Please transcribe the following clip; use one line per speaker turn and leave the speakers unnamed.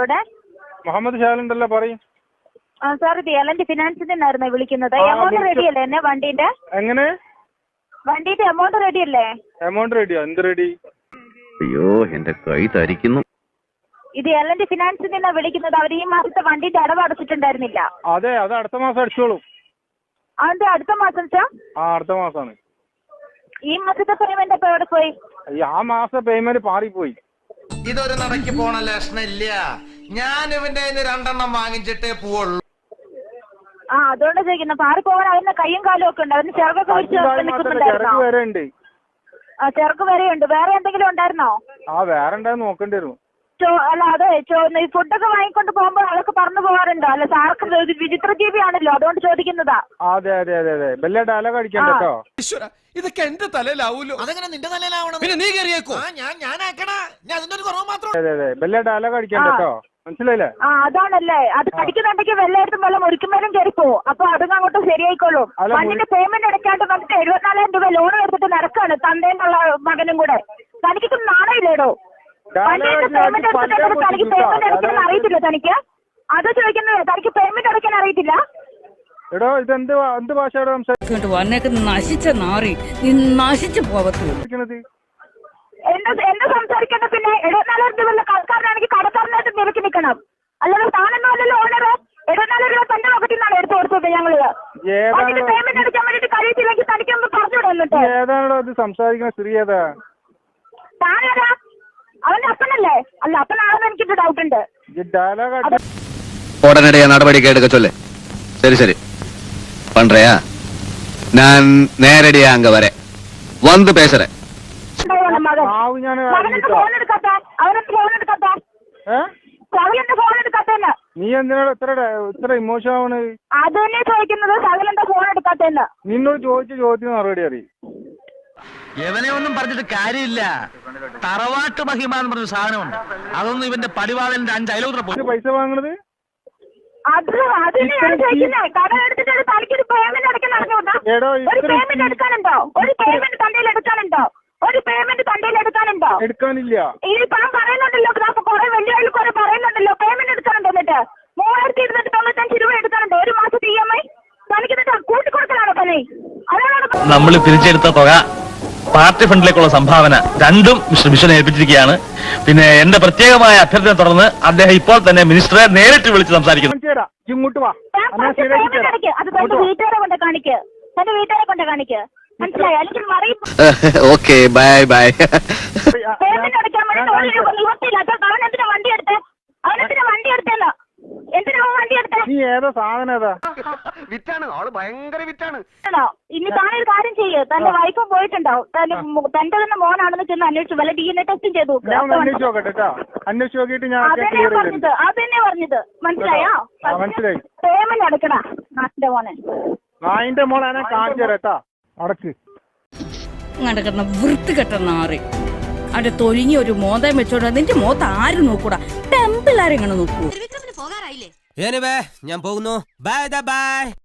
അവിടെ?
മുഹമ്മദ് ഷാലുണ്ടല്ലോ, പറയും.
സാർ ഇത് എലന്റ് ഫിനാൻസിൽ നിന്നായിരുന്നു വിളിക്കുന്നത്. എമൗണ്ട് റെഡി അല്ലേ എന്നെ വണ്ടീന്റെ?
എങ്ങനെ?
വണ്ടീന്റെ എമൗണ്ട് റെഡി അല്ലേ?
എമൗണ്ട് റെഡിയോ? എന്ത് റെഡി?
അയ്യോ എന്റെ കൈ തരിക്കുന്നു.
ഇത് എലന്റ് ഫിനാൻസിൽ നിന്നാണ് വിളിക്കുന്നത്. അവർ ഈ മാസത്തെ വണ്ടീന്റെ അടവ് അടച്ചിട്ടുണ്ടായിരുന്നില്ല.
അതെ, അത് അടുത്ത മാസം അടിച്ചോളൂ.
അതെന്താ അടുത്ത മാസം സാർ?
അടുത്ത മാസമാണ്.
ഈ മാസത്തെ പേയ്മെന്റ് അപ്പൊ എവിടെ പോയി?
ആ മാസത്തെ പേയ്മെന്റ് പാറിപ്പോയി.
ഇതൊരു നടക്കി പോണ ലക്ഷണില്ല. ഞാൻ ഇവന്റെ 2 വാങ്ങിച്ചിട്ടേ പോവുള്ളൂ.
അതുകൊണ്ട് ചോദിക്കുന്നത്. പാറി പോകാൻ അവന്റെ കയ്യും കാലും ഒക്കെ ഉണ്ട്. അവന് ചെറുക്കൊക്കെ വെച്ച് നിൽക്കുന്നുണ്ടായിരുന്നോ? ചെറുക്ക് വരെയുണ്ട്. വേറെ എന്തെങ്കിലും ഉണ്ടായിരുന്നോ?
വേറെ ഉണ്ടായിരുന്നു, നോക്കേണ്ടി വരും.
അല്ല അതെ, ഈ ഫുഡൊക്കെ വാങ്ങിക്കൊണ്ട് പോകുമ്പോൾ അതൊക്കെ പറഞ്ഞു പോകാറുണ്ടോ? അല്ല സാർക്ക് വിചിത്ര ജീവിയാണല്ലോ, അതുകൊണ്ട് ചോദിക്കുന്നതാ.
അതെ അതെ അതെ അതെ, വലിയ ഡയലോഗ് അടിക്കാൻ കേട്ടോ.
ഇതൊക്കെ എന്റെ തലയിലാവൂലോ? അതെങ്ങനെ നിന്റെ തലയിലാവണം? പിന്നെ നീ കയറിയേക്കോ?
അതെ അതെ, വലിയ ഡയലോഗ് അടിക്കാൻ കേട്ടോ, മനസ്സിലായില്ലേ?
അതാണല്ലേ. അത് കടിക്കുന്നുണ്ടെങ്കിൽ വെള്ളയെടുത്തും വെള്ളം ഒരിക്കുമ്പോഴും കയറിപ്പോ. അപ്പൊ അതും അങ്ങോട്ട് ശരിയായിക്കോളും. മണ്ണിന്റെ പേയ്മെന്റ് അടയ്ക്കാണ്ട് വന്നിട്ട് 74,000 രൂപ ലോൺ എടുത്തിട്ട് നടക്കാണ് തന്തേന്നുള്ള മകനും കൂടെ. തനിക്കൊന്നും നാണയില്ലേടോ? പേയ്മെന്റ് എടുത്തിട്ട് തനിക്ക് പേയ്മെന്റ് അടയ്ക്കാൻ അറിയത്തില്ല തനിക്ക്? അത് ചോദിക്കുന്നത്. തനിക്ക് പേയ്മെന്റ് അടയ്ക്കാൻ അറിയത്തില്ല?
എടോ ഇത് എന്ത് ഭാഷയോടെ
സംസാരിക്കുന്നത്? നശിച്ച നാറി, നീ നശിച്ചു പോകത്തുള്ളൂ.
എന്താ സംസാരിക്കേണ്ട? പിന്നെ 74,000 രൂപ കടക്കാരനാണെങ്കിൽ കടക്കാരനായിട്ട് നിരക്കി നിൽക്കണം. അല്ലാതെ താനെന്നല്ലോ ഓണർ. 74 രൂപ തന്റെ പോക്കറ്റിൽ നിന്നാണ് എടുത്ത് കൊടുത്തത് ഞങ്ങള്. പേയ്മെന്റ് അടയ്ക്കാൻ വേണ്ടിട്ട് കഴിയത്തില്ലെങ്കിൽ തനിക്കൊന്ന് പറഞ്ഞുവിടുന്നുണ്ട്.
ഏതാണോ ഇത് സംസാരിക്കുന്ന സ്ത്രീ? ഏതാ
താനേതാ? അവന്റെ അപ്പനല്ലേ? അല്ല അപ്പനാണെന്ന് എനിക്കൊരു ഡൗട്ട് ഉണ്ട്.
ഉടനടിയാ നടപടിക്ക് എടുക്ക ചൊല്ലേ. ശരി ശരി പண்றயா? நான் நேரடியா அங்க வரேன், வந்து பேசுறேன்.
നീ എന്തിനാ ഇത്ര ഇമോഷൻ ആണ്?
അത് തന്നെ ചോദിക്കുന്നത്. സകലെന്താ ഫോൺ എടുക്കാത്തന്ന്?
നിന്നോട് ചോദിച്ച ചോദ്യത്തിന് മറുപടി അറിയും.
എവനെ ഒന്നും പറഞ്ഞിട്ട് കാര്യമില്ല. തറവാട്ട് മഹിമ എന്ന് പറഞ്ഞ സാധനമുണ്ട്. അതൊന്നും ഇവന്റെ പടിവാളന്റെ 5 അയലോത്ര പോയി
പൈസ വാങ്ങണത്.
കട എടുത്തിട്ട് തനിക്കൊരു പേയ്മെന്റ് അടയ്ക്കാൻ അറിഞ്ഞൂടാ? ഒരു പേയ്മെന്റ് എടുക്കാനുണ്ടോ? ഒരു പേയ്മെന്റ് തണ്ടയിൽ എടുക്കാനുണ്ടോ? ഒരു പേയ്മെന്റ് തണ്ടയിൽ എടുക്കാനുണ്ടോ?
എടുക്കാനില്ല.
ഈ പണം പറയുന്നുണ്ടല്ലോ, കുറെ വലിയ ആൾ കുറെ പറയുന്നുണ്ടല്ലോ പേയ്മെന്റ് എടുക്കാനുണ്ടോ? എന്നിട്ട് 3295 രൂപ എടുക്കാനുണ്ടോ ഒരു മാസത്തെ EMI? തനിക്ക് കൂട്ടിക്കൊടുക്കലാണോ പണി? അതാണ്
നമ്മൾ പിരിച്ചെടുത്ത തുക പാർട്ടി ഫണ്ടിലേക്കുള്ള സംഭാവന രണ്ടും മിസ്റ്റർ ബിഷനെ ഏൽപ്പിച്ചിരിക്കുകയാണ്. പിന്നെ എന്റെ പ്രത്യേകമായ അഭ്യർത്ഥന തുടർന്ന് അദ്ദേഹം ഇപ്പോൾ തന്നെ മിനിസ്റ്ററെ നേരിട്ട് വിളിച്ച് സംസാരിക്കുന്നു.
ഇങ്ങോട്ട് വാ.
അത് തന്റെ വീട്ടുകാരെ കൊണ്ട് കാണിക്ക്. തന്റെ വീട്ടുകാരെ കൊണ്ട് കാണിക്ക്. മനസ്സിലായോ? അല്ലെങ്കിൽ മറിയും.
Okay bye bye.
പേയ്മെന്റ് അടയ്ക്കാൻ വേണ്ടി നിവർത്തിയില്ലാത്ത അവനെന്തിനാ വണ്ടി എടുത്തേ? അവനെന്തിനാ വണ്ടി എടുത്തേന്ന്? എന്തിനാ വണ്ടി എടുത്തേ?
നീ ഏതാ സാധനം? ഏതാ
വിറ്റാണ് ആള്, ഭയങ്കര വിറ്റാണ്.
ഇനി താനൊരു കാര്യം ചെയ്യ്. തന്റെ വൈഫും പോയിട്ടുണ്ടാവും. തന്റെ തന്നെ മോനാണെന്ന് ചെന്ന് അന്വേഷിച്ചു. വല്ല DNA ടെസ്റ്റും ചെയ്തു.
അന്വേഷിച്ച് നോക്കട്ടെ. അന്വേഷിച്ച് നോക്കിയിട്ട് ഞാൻ
അതന്നെ പറഞ്ഞത്. മനസ്സിലായോ?
മനസ്സിലായി.
പേയ്മെന്റ് അടക്കണ നാട്ടിന്റെ മോനെ.
നായിന്റെ മോളെ കാണിച്ചു തരട്ടാ. അടക്ക്
നടക്കുന്ന വൃത്തികെട്ട നാറി. അവിടെ തൊലിഞ്ഞ ഒരു മോതം വെച്ചോണ്ട് നിന്റെ മോത്ത് ആരും നോക്കൂടാ. ടെമ്പിൾ ആരെങ്ങനെ നോക്കൂ?
ഞാൻ പോകുന്നു. Bye by.